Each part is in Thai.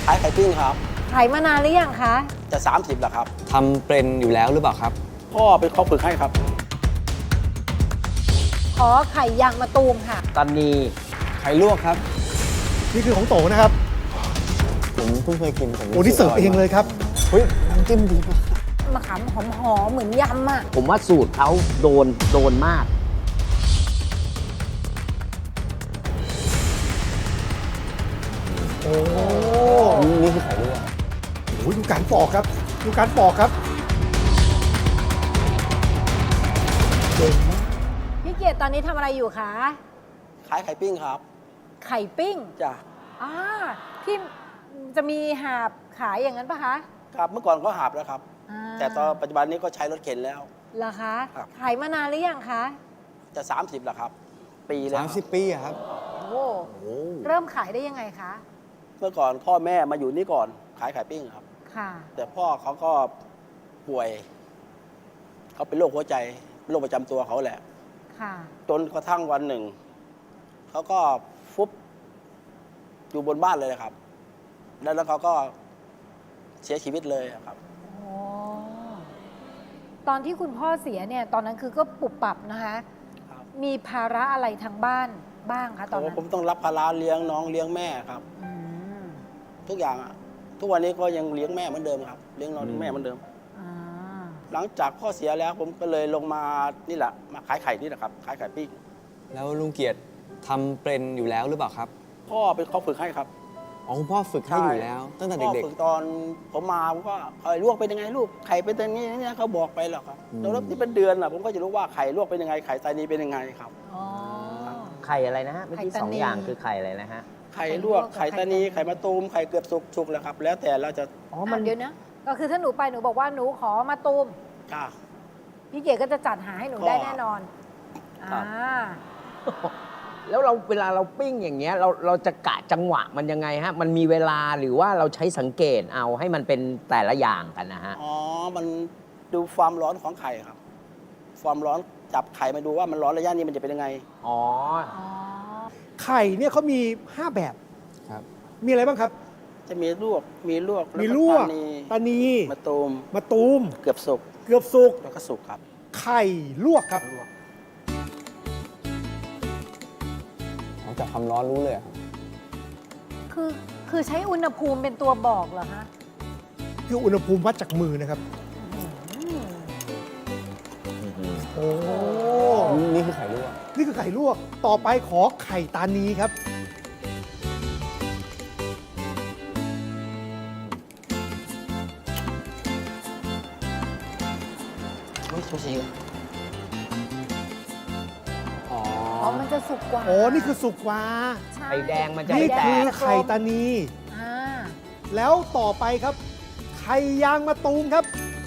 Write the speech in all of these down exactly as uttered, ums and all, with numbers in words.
ายไข่ปิ้งครับขายมานานหรือยังคะจะสามสิบแล้วครับทำเป็นอยู่แล้วหรือเปล่าครับพ่อเป็นเขาฝึกให้ครับขอไข่ยางมะตูมค่ะตอนนี้ไข่ลวกครับนี่คือของโตนะครับผมเพิ่งเคยกินผมโอ้นี่เสิร์ฟเองเลยครับเฮ้ยน้ำจิ้มดีมากมะขามหอมๆเหมือนยำอ่ะผมว่าสูตรเขาโดนโดนมากโอ้นี่คือไข่ลวกโอ้ยดูการปอกครับดูการปอกครับเก่งมากพี่เกียรติตอนนี้ทำอะไรอยู่คะขายไข่ปิ้งครับไข่ปิ้งจ้ะอ่าที่จะมีหาบขายอย่างนั้นปะคะครับเมื่อก่อนก็หาบแล้วครับแต่ตอนปัจจุบันนี้ก็ใช้รถเข็นแล้วเหรอคะขายมานานหรือยังคะจะสามสิบแล้วครับปีแล้วสามสิบปีอะครับโอ้เริ่มขายได้ยังไงคะเมื่อก่อนพ่อแม่มาอยู่นี่ก่อนขายไข่ปิ้งครับค่ะแต่พ่อเขาก็ป่วยเขาเป็นโรคหัวใจโรคประจำตัวเขาแหละค่ะจนกระทั่งวันหนึ่งเขาก็ฟุบอยู่บนบ้านเลยครับแล้วแล้วเขาก็เสียชีวิตเลยครับอ๋อตอนที่คุณพ่อเสียเนี่ยตอนนั้นคือก็ปุบปับนะคะมีภาระอะไรทางบ้านบ้างคะตอนนั้นผมต้องรับภาระเลี้ยงน้องเลี้ยงแม่ครับทุกอย่างอะทุกวันนี้ก็ยังเลี้ยงแม่เหมือนเดิมครับเลี้ยงน้องเลี้ยงแม่เหมือนเดิมหลังจากพ่อเสียแล้วผมก็เลยลงมานี่แหละมาขายไข่นี่แหละครับขายไข่ปิ้งแล้วลุงเกียรติทำเป็นอยู่แล้วหรือเปล่าครับพ่อเป็นเขาฝึกให้ครับอ๋อคุณพ่อฝึกให้อยู่แล้วตั้งแต่เด็กๆพ่อฝึกตอนผมมาผมก็ไข่ลวกเป็นยังไงลูกไข่เป็นอย่างนี้นี่เขาบอกไปหรอกครับแล้วที่เป็นเดือนอ่ะผมก็จะรู้ว่าไข่ลวกเป็นยังไงไข่ตานีเป็นยังไงครับไข่อะไรนะฮะเมื่อกี้สองอย่างคือไข่อะไรนะฮะไข่ลวกไข่ตานีไข่มะตูมไข่เกือบสุกสุกแล้วครับแล้วแต่เราจะอ๋อมันเดี๋ยวนะก็คือถ้าหนูไปหนูบอกว่าหนูขอมะตูมจ้าพี่เก๋ก็จะจัดหาให้หนูได้แน่นอนอ่าแล้วเราเวลาเราปิ้งอย่างเงี้ยเราเราจะกะจังหวะมันยังไงฮะมันมีเวลาหรือว่าเราใช้สังเกตเอาให้มันเป็นแต่ละอย่างกันนะฮะอ๋อมันดูความร้อนของไข่ครับความร้อนจับไข่มาดูว่ามันร้อนระยะนี้มันจะเป็นยังไงอ๋อไข่เนี่ยเขามีห้าแบบครับมีอะไรบ้างครับจะมีลวกมีลวกมีลวกตานีมะตูมมะตูมเกือบสุกเกือบสุกแล้วก็สุกครับไข่ลวกครับจากความร้อนรู้เลยครับคือคือใช้อุณหภูมิเป็นตัวบอกเหรอคะคืออุณหภูมิวัดจากมือนะครับโอ้นี่คือไข่ลวกนี่คือไข่ลวกต่อไปขอไข่ตานีครับไม่ซูชิอ๋อมันจะสุกกว่าโอ้นี่คือสุกกว่าไข่แดงมันจะนี่คือไข่ตานีแล้วต่อไปครับไข่ยางมะตูมครับ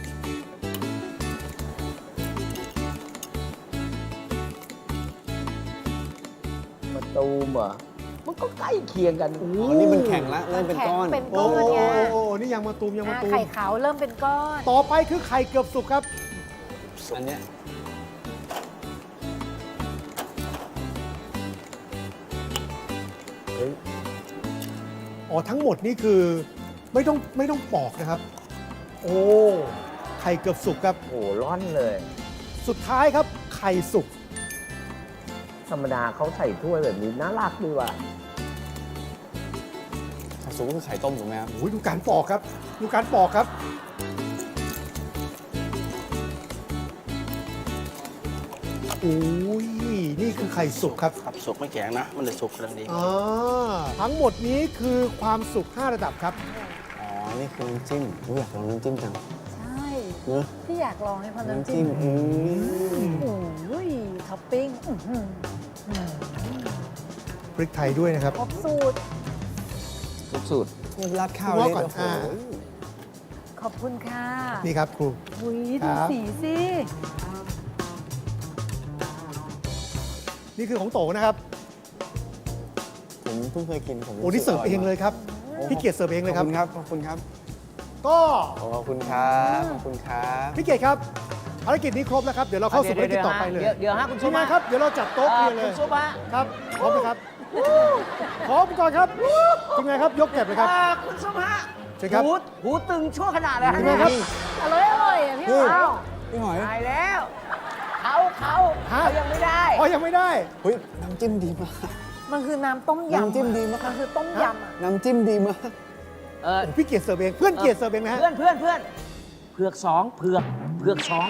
มะตูมเหรอมันก็ใกล้เคียงกันอ๋อนี่มันแข็งแล้วเริ่มเป็นก้อนเป็นก้อนไงโอ้นี่ยางมะตูมยางมะตูมไข่ขาวเริ่มเป็นก้อนต่อไปคือไข่เกือบสุกครับอันเนี้ยอ๋อทั้งหมดนี่คือไม่ต้องไม่ต้องปอกนะครับโอ้ไข่เกือบสุกครับโอ้ร้อนเลยสุดท้ายครับไข่สุกธรรมดาเขาใส่ถ้วยแบบนี้น่ารักดีว่ะไข่สุกก็คือไข่ต้มถูกไหมครับโอ้ยดูการปอกครับดูการปอกครับโอ้ยนี่คือไข่สุกครับครับสุกไม่แข็งนะมันเลยสุกกำลังดีอ๋อทั้งหมดนี้คือความสุกห้าระดับครับอ๋อนี่คือน้ำจิ้มผมอยากลองน้ำจิ้มจังใช่ที่อยากลองให้พอน้ำจิ้มโอ้ยท็อปปิ้งพริกไทยด้วยนะครับครบสูตรครบสูตรนี่ราดข้าวเลยก่อนขอบคุณค่ะนี่ครับครูอุ้ยดูสีสินี่คือของโตนะครับผมเพิ่งเคยกินผมโอ้นี่เสิร์ฟเองเลยครับพี่เกียรติเสิร์ฟเองเลยครับขอบคุณครับขอบคุณครับก็ขอบคุณครับขอบคุณครับพี่เกียรติครับภารกิจนี้ครบแล้วครับเดี๋ยวเราเข้าสู่ภารกิจต่อไปเลยเดี๋ยวฮะคุณชุบมาครับเดี๋ยวเราจัดโต๊ะเลยคุณชุบฮะครับพร้อมไหมครับขออุปกรณ์ครับทีมงานครับยกเก็บเลยครับอ่าคุณสมฮะเชิญครับหูหูตึงชั่วขนาดเลยทีมงานครับอร่อยอร่อยอ่ะพี่หอยอ้าวพี่หอยตายแล้วเขาเขาฮะเขายังไม่ได้อ๋อยังไม่ได้เฮ้ยน้ำจิ้มดีมากมันคือน้ำต้มยำน้ำจิ้มดีมากมันคือต้มยำอ่ะน้ำจิ้มดีมากเออโอ้พี่เกียรติเสิร์ฟเองเพื่อนเกียรติเสิร์ฟเองนะฮะเพื่อนเพื่อนเพื่อนเผือกสองเผือกเผือกสอง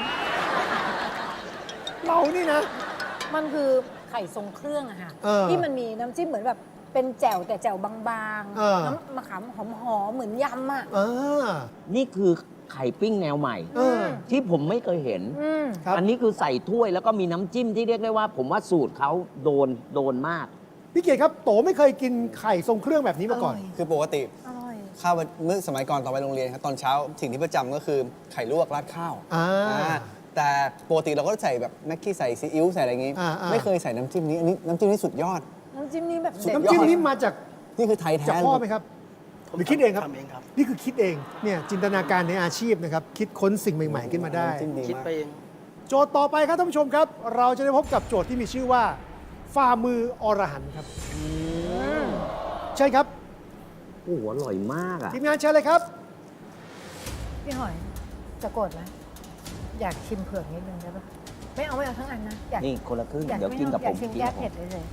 เรานี่นะมันคือไข่ทรงเครื่องอะค่ะเออที่มันมีน้ำจิ้มเหมือนแบบเป็นแจ่วแต่แจ่วบางเออๆ น้ำมะขามหอมๆเหมือนยำอ่ะเออนี่คือไข่ปิ้งแนวใหม่เออที่ผมไม่เคยเห็นอืมครับอันนี้คือใส่ถ้วยแล้วก็มีน้ำจิ้มที่เรียกได้ว่า ผมว่าสูตรเขาโดนโดนมากพี่เกียรติครับโตไม่เคยกินไข่ทรงเครื่องแบบนี้มาก่อนคือปกติอร่อยข้าวเมื่อสมัยก่อนตอนไปโรงเรียนครับตอนเช้าสิ่งที่ประจำก็คือไข่ลวกราดข้าวอ่าอ่าแต่ปกติเราก็ใส่แบบแม็กกี้ใส่ซีอิ๊วใส่อะไรอย่างงี้อ่าอ่าไม่เคยใส่น้ำจิ้มนี้อันนี้น้ำจิ้มนี้สุดยอดน้ำจิ้มนี่แบบสุดเด็ดยอดน้ำจิ้มนี้มาจากนี่คือไทยแท้จากพ่อไหมครับ หรือคิดเองครับทำเองครับนี่คือคิดเองเนี่ยจินตนาการในอาชีพนะครับ คิดค้นสิ่งใหม่ ๆ ขึ้นมาได้น้ำจิ้มดีคิดมากไปเองโจทย์ต่อไปครับท่านผู้ชมครับ เราจะได้พบกับโจทย์ที่มีชื่อว่าฝ่ามืออรหันต์ครับใช่ครับโอ้โหอร่อยมากอ่ะทีมงานเชิญเลยครับพี่หอย จะโกรธไหมอยากชิมเผือกนิดนึงได้ปะไม่เอาไม่เอาทั้งอันนะ อยากนี่คนละครึ่งอยากเดี๋ยวกินกับอผยากมชิมกินแก้กับผเผ็ดมเลย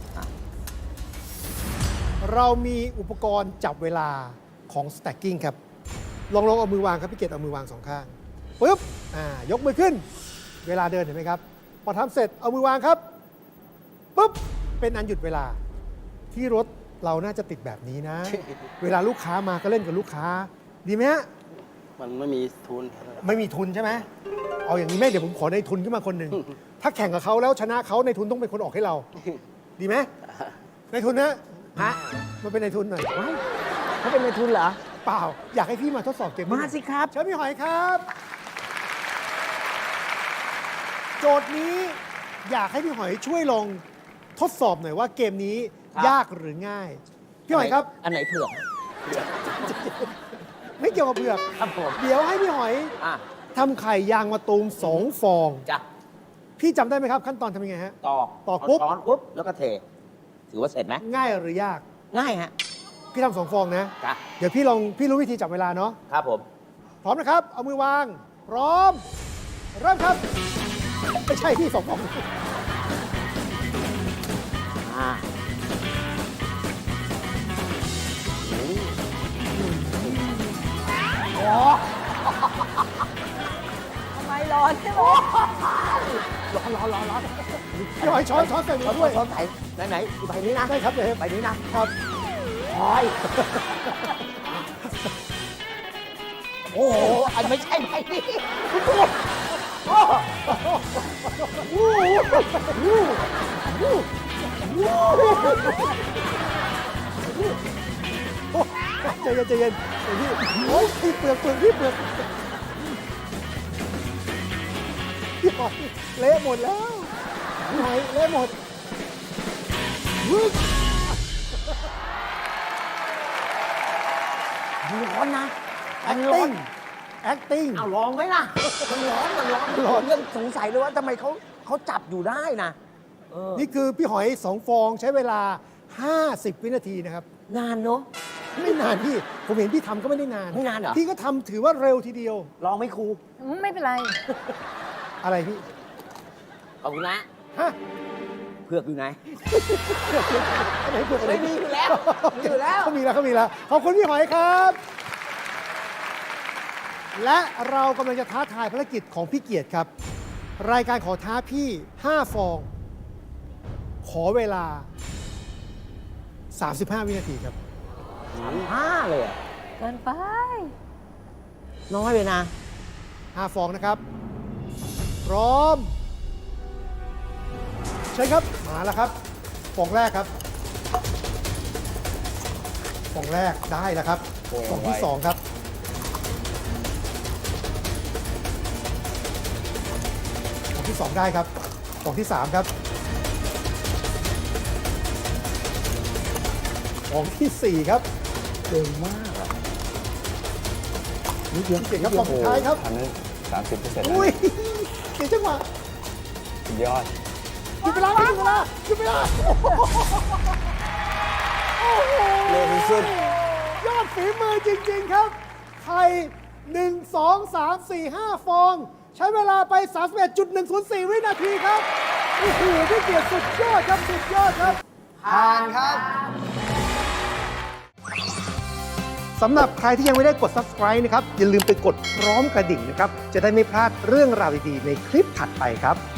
เรามีอุปกรณ์จับเวลาของ stacking ครับ ลองลองเอามือวางครับพี่เกดเอามือวางสองข้างปุ๊บอ่ายกมือขึ้น เวลาเดินเห็นไหมครับ พอทำเสร็จเอามือวางครับปุ๊บเป็นอันหยุดเวลา ที่รถเราน่าจะติดแบบนี้นะ เวลาลูกค้ามาก็เล่นกับลูกค้า ดีไหมฮะมันไม่มีทุนไม่มีทุนใช่ไหมเอาอย่างนี้แม่เดี๋ยวผมขอในทุนขึ้นมาคนหนึ่ง ถ้าแข่งกับเขาแล้วชนะเขาในทุนต้องเป็นคนออกให้เรา ดีไหมในทุนนะฮะมาเป็นในทุนหน่อยว้ายเขาเป็นในทุนเหรอเปล่า อยากให้พี่มาทดสอบเกมนี้มาสิครับเชิญพี่หอยครับ โจทย์นี้อยากให้พี่หอยช่วยลองทดสอบหน่อยว่าเกมนี้ครับยากหรือง่าย พี่หอยครับอันไหนเผือกไม่เกี่ยวกับเผือกครับผมเดี๋ยวให้พี่หอยอ่ะทำไข่ยางมะตูมสองฟองจ้ะพี่จำได้ไหมครับ ขั้นตอนทำยังไงฮะตอกตอกปุ๊บเาช้อนปุ๊บ แล้วก็เท ถือว่าเสร็จไหมง่ายหรือยากง่ายฮะพี่ทำสองฟองนะจ้ะเดี๋ยวพี่ลองพี่รู้วิธีจับเวลาเนาะครับผมพร้อมนะครับ เอามือวาง พร้อม เริ่มครับ ไม่ใช่พี่สองฟองอ่าทำไมร้อนใช่ไหมร้อนร้อนร้อนร้อนพี่หอยช้อนช้อนใส่มืช้ออน ด้วยช้อนไหนไหนไหนใบนี้นะได้ครับเลยใบนี้นะครับ พอย โอ้โห อันไม่ใช่ใบนี้โอ้ใจเย็นใจเย็นใจเย็นพี่โอ้ยพี่เปลือกเปลือกพี่เปลือกพี่หอยเละหมดแล้วพี่หอยเละหมดอุ๊ยร้อนนะมันร้อน acting acting เอาลองไหมล่ะ มันร้อน มันร้อนร้อนเรื่องสงสัยเลยว่าทำไมเขาเขาจับอยู่ได้นะเออนี่คือพี่หอยสองฟองใช้เวลา ห้าสิบ วินาทีนะครับนานเนอะไม่นานพี่ ผมเห็นพี่ทำก็ไม่ได้นานไม่นานเหรอพี่ก็ทำถือว่าเร็วทีเดียวลองไหม่ครูอืมไม่เป็นไรอะไรพี่ขอบคุณนะฮะเผือกอยู่ไหนอะไรเปลือกอะไรไม่มีอยู่แล้วมีอยู่แล้วเขามีแล้วเขามีแล้ว ขอบคุณพี่หอยครับ และเรากำลังจะท้าทายภารกิจของพี่เกียรติครับ รายการขอท้าพี่ ห้า ฟอง ขอเวลา สามสิบห้า วินาทีครับห้าเลยอะเกินไปน้อยเลยนะห้า ฟองนะครับ พร้อม ใช่ครับ มาแล้วครับ ฟองแรกครับ ฟองแรกได้แล้วครับโอ้ยฟองที่ไวสองครับ ฟองที่สองได้ครับ ฟองที่สามครับ ฟองที่สี่ครับเร็วมากอะนิดเดียวเก่งครับฟองสุดท้ายครับอันนั้นสามสิบเปอร์เซ็นต์อุ้ยเก่งจังหวะสุดยอดหยุดเวลาหยุดเวลาหยุดเวลาโอ้โหเร็วสุดยอดฝีมือจริง ๆ ครับ ไข่หนึ่ง สอง สาม สี่ ห้า ฟอง ใช้เวลาไป สามสิบเอ็ดจุดหนึ่งศูนย์สี่ วินาทีครับ โอ้โหพี่เกียรติสุดยอดครับ สุดยอดครับผ่านครับสำหรับใครที่ยังไม่ได้กด Subscribe นะครับ อย่าลืมไปกดพร้อมกระดิ่งนะครับ จะได้ไม่พลาดเรื่องราวดี ๆ ในคลิปถัดไปครับ